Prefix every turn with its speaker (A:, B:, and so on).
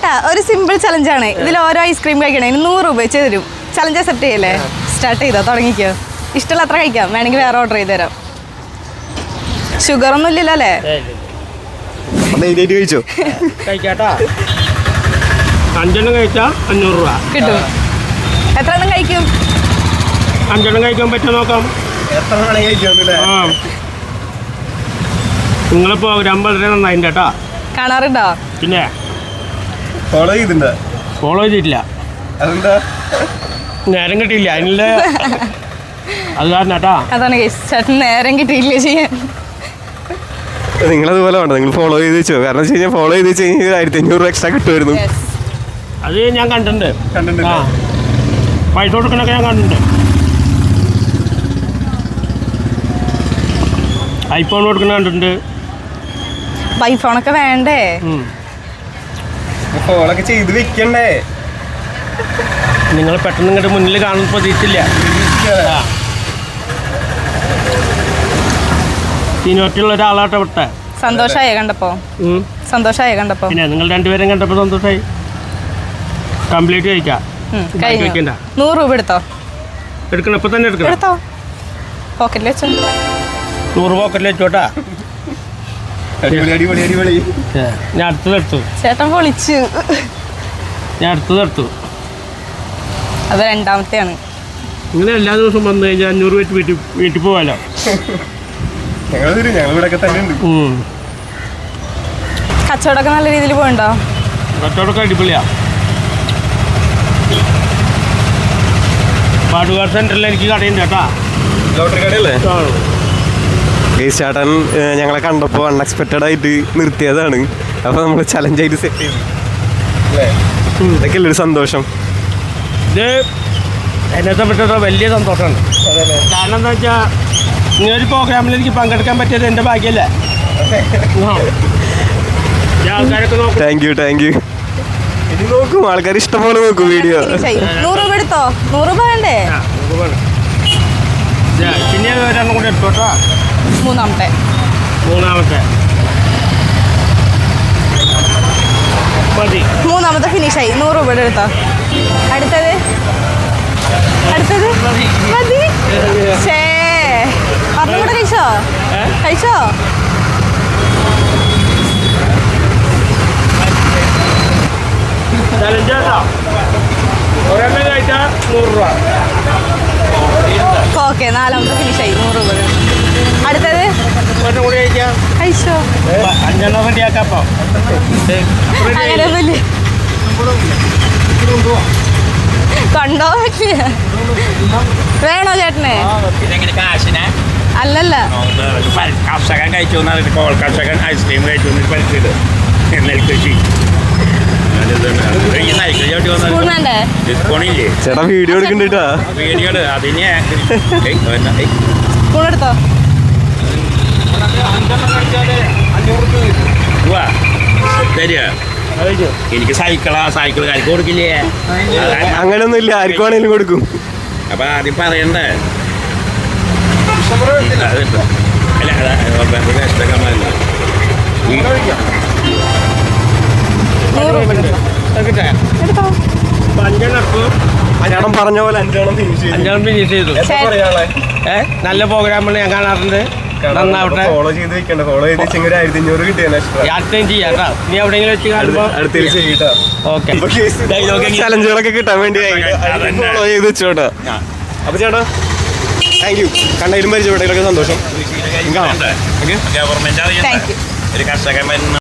A: ചേട്ടാ ഒരു സിമ്പിൾ ചലഞ്ചാണ്. ഇതിൽ ഓരോ ഐസ്ക്രീം കഴിക്കണേ 100 രൂപ വെച്ച് തരും. ചലഞ്ച് അക്സെപ്റ്റ് ചെയ്യല്ലേ? സ്റ്റാർട്ട് ചെയ്തോ, തുടങ്ങിക്കോ. ഇഷ്ടമുള്ള അത്ര കഴിക്കാം, വേണമെങ്കിൽ വേറെ ഓർഡർ ചെയ്ത് തരാം. ഷുഗർ ഒന്നും ഇല്ലല്ലോ അല്ലേ?
B: കഴിച്ചോ
C: കഴിക്കാട്ടാ. 5 എണ്ണം കഴിച്ചാ 500 രൂപ
A: കിട്ടും. എത്ര എണ്ണം കഴിക്കും?
C: 5 എണ്ണം കഴിക്കാൻ പറ്റുമോ നോക്കാം. ആ നിങ്ങളെ പ്രോഗ്രാം വളരെ നന്നായിട്ടുണ്ട് കേട്ടാ.
A: കാണാറുണ്ടോ?
C: പിന്നെ ഫോളോ ചെയ്തിട്ടില്ല, നേരം കിട്ടിയില്ല അതിനുള്ള അത് കാരണം കേട്ടാ.
A: അതാണ് ചേട്ടൻ നേരം കിട്ടിയില്ല ചെയ്യാൻ.
B: നിങ്ങളതുപോലെ വേണ്ട, നിങ്ങൾ ഫോളോ ചെയ്ത് വെച്ചോ. കാരണം വെച്ച് കഴിഞ്ഞാൽ ഫോളോ ചെയ്ത് വെച്ച് കഴിഞ്ഞാൽ 1500 രൂപ എക്സ്ട്രാ കിട്ടുമായിരുന്നു.
C: അത് ഞാൻ കണ്ടിട്ടുണ്ട്. ആ പൈസ കൊടുക്കണൊക്കെ ഞാൻ കണ്ടിട്ടുണ്ട്. ഐഫോൺ കൊടുക്കണ കണ്ടിട്ടുണ്ട്.
A: ഐഫോണൊക്കെ വേണ്ടേ?
B: ഫോളൊക്കെ ചെയ്ത് വെക്കണ്ടേ?
C: നിങ്ങൾ പെട്ടെന്ന് ഇങ്ങോട്ട് മുന്നിൽ കാണുന്ന പ്രതീക്ഷിച്ചില്ല. സീനിയോറിറ്റിയുള്ള ഒരാളാട്ടെ വിട്ടെ.
A: സന്തോഷായോ കണ്ടപ്പോ? സന്തോഷായോ കണ്ടപ്പോ?
C: പിന്നെ നിങ്ങൾ രണ്ടുപേരും കണ്ടപ്പോൾ സന്തോഷമായി. കംപ്ലീറ്റ് കഴിക്കാം.
A: 100 രൂപ എടുത്തോ.
C: എടുക്കണം, ഇപ്പം തന്നെ എടുക്കണം.
A: എടുത്തോ, പോക്കറ്റിൽ വെച്ചോ.
C: 100 പോക്കറ്റിൽ വെച്ചോട്ടാ. ഞാൻ അടുത്തതെടുത്തു.
A: ചേട്ടൻ പൊളിച്ചു.
C: ഞാൻ അടുത്തതെടുത്തു.
A: അത് രണ്ടാമത്തെയാണ്.
C: ഇങ്ങനെ എല്ലാ ദിവസവും വന്നു കഴിഞ്ഞാൽ 500 വെച്ച് വീട്ടിൽ പോകാമല്ലോ.
A: കച്ചവടമൊക്കെ നല്ല രീതിയിൽ പോയിണ്ടോ?
C: കച്ചവടമൊക്കെ അടിപൊളിയാ. പാടുകാട് സെന്ററിൽ എനിക്ക് കടയുണ്ട് കേട്ടാ.
B: ലോട്ടറി കടയല്ലേ? ചേട്ടൻ ഞങ്ങളെ കണ്ടപ്പോൾ അൺഎക്സ്പെക്റ്റഡ് ആയിട്ട് നിർത്തിയതാണ്. അപ്പോൾ നമ്മൾ ചലഞ്ചായിട്ട് സെറ്റ് ചെയ്തു. ഇതൊക്കെ ഒരു സന്തോഷം.
C: ഇത് എന്നെ സംബന്ധിച്ചിടത്തോളം വലിയ സന്തോഷമാണ്. കാരണം എന്താ വെച്ചാൽ ഇങ്ങനൊരു പ്രോഗ്രാമിൽ എനിക്ക് പങ്കെടുക്കാൻ പറ്റിയത് എൻ്റെ ഭാഗ്യമല്ലേ. ആൾക്കാരൊക്കെ നോക്കും.
B: താങ്ക് യു ഇനി നോക്കും, ആൾക്കാർ ഇഷ്ടംപോലെ നോക്കും വീഡിയോ.
A: 100 രൂപ എടുത്തോ. 100 രൂപ വേണ്ടേ?
C: പിന്നെ ഒരെണ്ണം കൂടി എടുത്തോട്ടോ.
A: മൂന്നാമത്തെ
C: മതി.
A: മൂന്നാമത്തെ ഫിനിഷായി. 100 രൂപ എടുത്തോ. അടുത്തത് മതി. ഷേ ഒരെണ്ണം കൂടെ കഴിച്ചോ.
C: ഒരെണ്ണം കഴിച്ചാൽ 100 രൂപ.
A: ഓക്കെ, നാലാമത്തെ ഫിനിഷായി. 100 രൂപ. അടുത്തത്
C: ഒരെണ്ണം കൂടി കഴിക്കാം.
A: കഴിച്ചോ.
C: 5 എണ്ണം റെഡിയാക്കാം. അപ്പോൾ
A: അങ്ങനെയൊന്നുമില്ല, കണ്ടോ പറ്റില്ല. വേണോ ചേട്ടന്? അല്ലല്ല,
C: കർഷകൻ കഴിച്ചു കർഷകൻ ഐസ്ക്രീം കഴിച്ചു നെൽകൃഷി.
A: സ്പൂൺ വേണ്ടേ?
B: ചേട്ടാ വീഡിയോ എടുക്കണ്ടാ.
A: സ്പൂൺ എടുത്തോ.
C: എനിക്ക് സൈക്കിൾ കരിക്ക് കൊടുക്കില്ലേ?
B: അങ്ങനൊന്നും ഇല്ല, ആർക്കും വേണേലും കൊടുക്കും.
C: അപ്പൊ ആദ്യം പറയണ്ടേ?
B: ചേട്ടൻ പറഞ്ഞ പോലെ 5
C: ഫിനിഷ് ചെയ്തു. നല്ല പ്രോഗ്രാമുകൾ ഞാൻ കാണാറുണ്ട്. നന്നാവട്ടെ.
B: ഫോളോ ചെയ്ത് വെക്കണ്ട. ഫോളോ ചെയ്ത് വെച്ചെങ്കിൽ 1500 കിട്ടിയാൽ
C: ചെയ്യാട്ടാ. നീ എവിടെയെങ്കിലും വെച്ച് കാണുമ്പോൾ
B: ചലഞ്ചുകളൊക്കെ കിട്ടാൻ വേണ്ടി ഫോളോ ചെയ്ത് വെച്ചോട്ടാ. അപ്പൊ ചേട്ടാ താങ്ക് യു. കണ്ടതിലും പരിചയപ്പെട്ടതിലൊക്കെ സന്തോഷം.
A: Thank U.